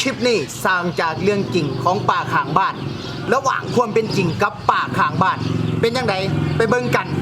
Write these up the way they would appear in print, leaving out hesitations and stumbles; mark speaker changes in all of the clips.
Speaker 1: คลิปนี้สร้างจากเรื่องจริงของป่าข้างบ้านระหว่างความเป็นจริงกับป่าข้างบ้านเป็นยังไงไปเบิ่งกัน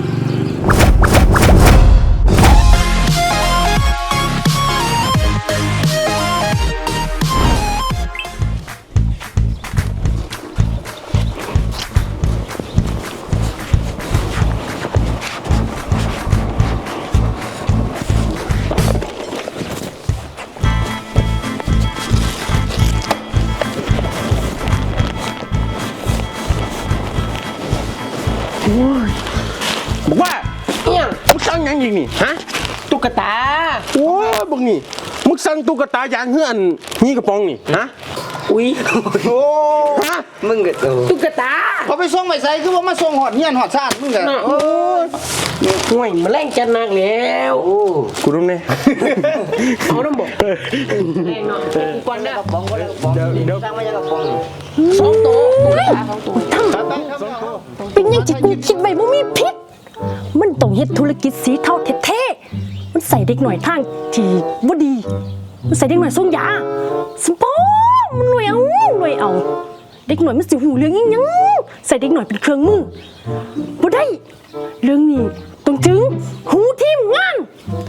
Speaker 2: บอกว่าเนี่ยมึงสั่งยังยิงนี่ฮะตุ๊กตาโอ้บังนี่มึงสั่งตุ๊กตายางเฮือนนี่กระป๋องนี่ฮะอุ้ยโอ้ฮะมึงก็ตุ๊กตา
Speaker 1: เขาไปส่งไปใส่คือว่ามาส่งหอดเฮียนหอดซ่านมึงกัน
Speaker 2: โอ้ห่วยมาแรงจันนักแล้วกูรู้เนี่ยเอาน้ำบอกแรงเนาะก่อนนะเดี๋ยวสั่งมาจากกระป๋องสองตัว
Speaker 3: เป็นยังจิกูคิดไว้บ่มีพิษมันต้องเฮ็ดธุรกิจสีเทาแท้ๆมันใส่เด็กหน่อยทางที่บ่ดีมันใส่เด็กหน่อยส่งยาสมปองมันรวยเอาเด็กหน่อยมันสิหูเรื่องอีหยังใส่เด็กหน่อยเป็นเครื่องมือบ่ได้เรื่องนี้ต้องถึงหูทีมงาน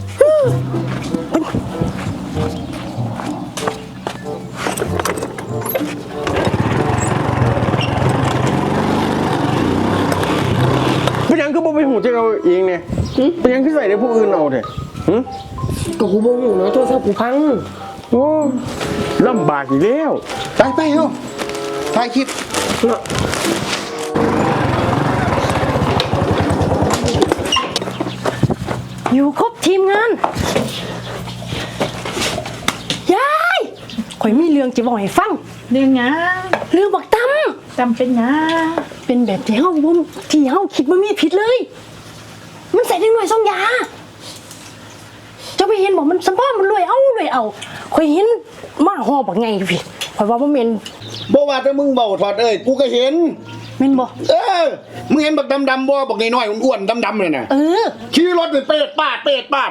Speaker 2: เป็นยังคือบ่ไปหูใจเราเองเนี่ยเป็นยังคือใส่ในผู้อื่นเอาเถอะ
Speaker 3: ก็กูบ่ฮู้เนาะโทรศัพท์กูพัง
Speaker 2: โอ้ลำบากอีกแล้ว
Speaker 1: ไปเฮาถ่ายคลิป
Speaker 3: อยู่ครบทีมงานยายข่อยมีเรื่องจะบอกให้ฟัง
Speaker 4: เรื่องหยัง
Speaker 3: เรื่องบักตั้ม
Speaker 4: เป็นหยัง
Speaker 3: เป็นแบบที่เฮาคิดว่ามีผิดเลยมันใส่ได้หน่วยส่งยาเจ้าไปเห็นบอกมันสมพ่อมันรวยเอาข่อยเห็นมาห่อบักไงพี่ข่อยว่าบ่แม่น
Speaker 1: บ่ว่าแต่มึงเบาถอดกูก็เห็น
Speaker 3: แม่นบ่
Speaker 1: มึงเห็นบักดำๆบ่บักน้อยๆอ้วนๆดำๆเลยน่ะขี่รถไปเปดปาด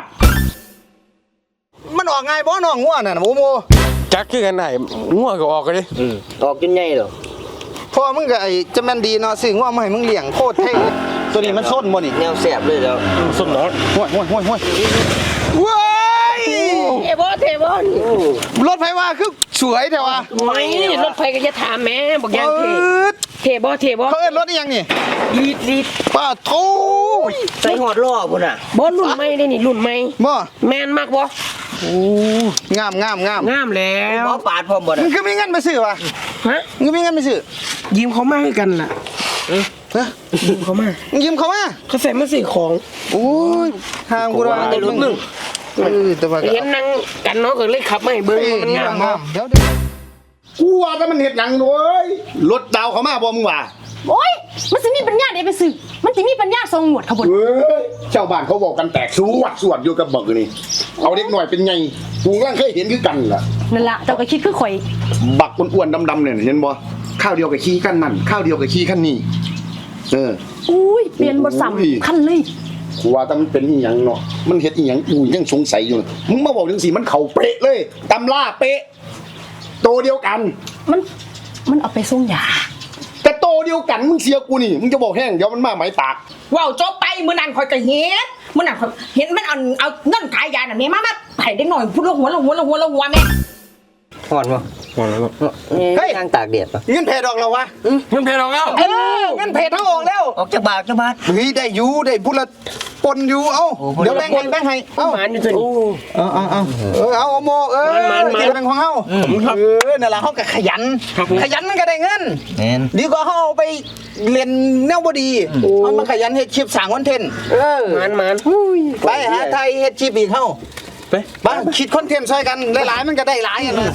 Speaker 1: มันออกง่ายบ่น้องงัวน่ะโม
Speaker 2: จักคือกันได้งัวก็ออกกันดิ
Speaker 5: ออกจนใหญ่เหรอ
Speaker 1: พ่อมึงก็จะแม่นดีเนาะซื้องัวมาให้มึงเลี้ยงโคตรเท่ตัวนี้มันส้นบ่นี่
Speaker 5: แนวแสบเลยแล้ว
Speaker 2: ส้นเนาะ
Speaker 1: ห้วยว้าย
Speaker 3: เทบอล
Speaker 1: รถไฟว่าคือสวยแต่ว่า
Speaker 3: ไม่รถไฟก็จะถามแม่บอกยังเทบอ
Speaker 1: เขาเอิ้นรถนี่ยังนี่
Speaker 3: ลีด
Speaker 1: ป้าโธ่
Speaker 5: ใส่หอดล้อพุ่นน่ะ
Speaker 3: บ่รุ่นใหม่ได้นี่รุ่นใหม่
Speaker 1: บ่
Speaker 3: แม่นมากบ่
Speaker 1: โอ้งาม
Speaker 3: แล้ว
Speaker 5: บ่ปาดพร้อมบ่น่ะ
Speaker 1: มึงคือมีเงินไปซื้อวะ
Speaker 3: ฮะ
Speaker 1: มึงมีเงินไปซื้อ
Speaker 3: ยืมเขามาให้กันล่ะยืมเขามาเขาใส่มาซื้อของ
Speaker 1: โอ้ยทางกูว่า
Speaker 5: แต่รุ่นนึง
Speaker 3: เห็นนั่งกันเนาะก็เลยขับมาให้เบิ่งมันงาม
Speaker 1: เดี๋ยวกูว่าแต่มันเฮ็ดหยังโว้ยรถดาวเขามาบ่มึงว่า
Speaker 3: โอ้ยมันสิมีปัญญาได้ไปซื้อมันสิมีปัญญาส่งหมวดเขาบ่
Speaker 1: เฮ้ยชาวบ้านเขาบอกกันแตกสวดอยู่กับบักนี่เอาเด็กหน่อยเป็นไงกูกำลังเคยเห็นคือกันล่ะ
Speaker 3: นั่นล่ะเจ้าก็คิดคือข่อย
Speaker 1: บักอ้วนๆดำๆเนี่ยเห็นบ่ข้าวเดียวกับขี้ขั้นนั่นข้าวเดียวกับขี้ขั้นนี่
Speaker 3: อุ้ยเปลี่ยนบ่ซ้ำคันเลย
Speaker 1: กูว่าแต่มันเป็นอีหยังเนาะมันเฮ็ดอีหยังกูยังสงสัยอยู่มึงมาบอกจังซี่มันเข้าเป๊ะเลยตำราเป๊ะโตเดียวกัน
Speaker 3: มันเอาไปส่งยา
Speaker 1: แต่โตเดียวกันมึงเสียกูนี่มึงจะบอกแห้งเดี๋ยวมันมาไหมปาก
Speaker 4: ว้าวจบไปมื้อนั้นข่อยก็เห็นมื้อนั้นข่อยเห็นมันเอาเงินขายยาน่ะแม่มาให้เด็กน้อยพูดละหัวแม่
Speaker 5: ฮ้อนบ่ฮ้อนแล้วเฮ้ยทางตากแดดป่ะ
Speaker 1: เงินเพดอกแล้ววะ
Speaker 2: เงินเพดอกแล้ว
Speaker 1: เงินเพทั้งออกแล้ว
Speaker 5: ออกจากบาท
Speaker 1: เฮ้ยได้อยู่ได้พุละปนอยู่เอ้าเดี๋ยวแบ่งให้เอ้า
Speaker 3: มันอยู่ตัวนี้
Speaker 1: เอาโมที่เป็นของเฮานั่นล่ะเฮาก็ขยันมันก็ได้เงินดีกว่าเฮาไปเรียนแนวบ่ดีมันมาขยันเฮ็ดคลิปสร้างคอนเทนต์
Speaker 3: มัน
Speaker 1: ไปหาไทยเฮ็ดคลิปอีกเฮาไปคิดคอนเทนต์ช่วยกันหลายๆมันก็ได้หลายอย่างนะ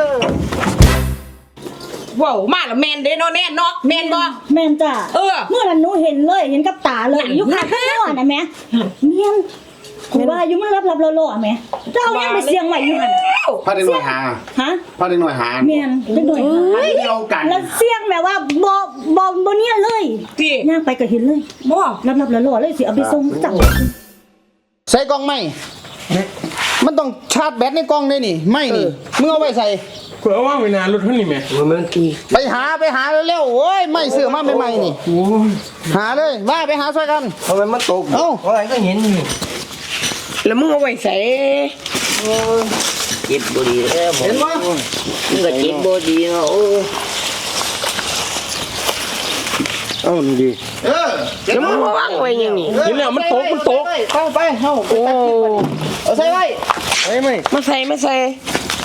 Speaker 4: ว้าวมาแล้วแมนเด้เนาะแน่เนาะแมนบ่
Speaker 6: แมนจ้ะเมื่อนั้นหนูเห็นกับตาเลยอยู่ข้างข้างน่ะแม่เมียนกูว่าอยู่มันรับๆล่อๆแม่เจ้ายังไปเสียงใหม่อยู่หั่น
Speaker 1: พาเด็กหน่อยหาพาเด็กหน่อยหา
Speaker 6: เมียนเด็กหน่อยหา
Speaker 1: เดียวกัน
Speaker 6: แล้วเสียงแบบว่าบ่เนี่ยเลยย่างไปก็เห็นเลย
Speaker 4: บ่
Speaker 6: รับๆล่อๆเลยสิเอาไปส่งจัง
Speaker 1: ใส่กล่องไหมมันต้องชาร์จแบตในกล่องได้นี่ไม่นี่มึงเอาไว้ใส่
Speaker 2: เผื่อว่าไม่นานรถเท่านี้แม่
Speaker 5: มันตี
Speaker 1: ไปหาเร็วๆโอ้ยไม่เสือมาใหม่ๆนี่
Speaker 2: โอ้ย
Speaker 1: หาเลยมาไปหาช่วยกัน
Speaker 5: ทำไมมันตก
Speaker 1: เอ้า
Speaker 5: อะไรก็เห็นอยู่
Speaker 4: แล้วมึงเอาไว้ใส่
Speaker 5: เจ็บบ่ดีแล้ว
Speaker 1: เห็นบ่
Speaker 5: มึงก็เจ็บบ่ดีเนาะโอ้
Speaker 2: เอ้านี่ดี
Speaker 4: แล้วมึงมาวางไว้ยังนี่
Speaker 2: เห็นแล้วมันตก
Speaker 1: เข้าไปเอาไปตัดคลิปก่อนเอาใส่ไว้
Speaker 2: ไอ้ไม่
Speaker 4: มาใส่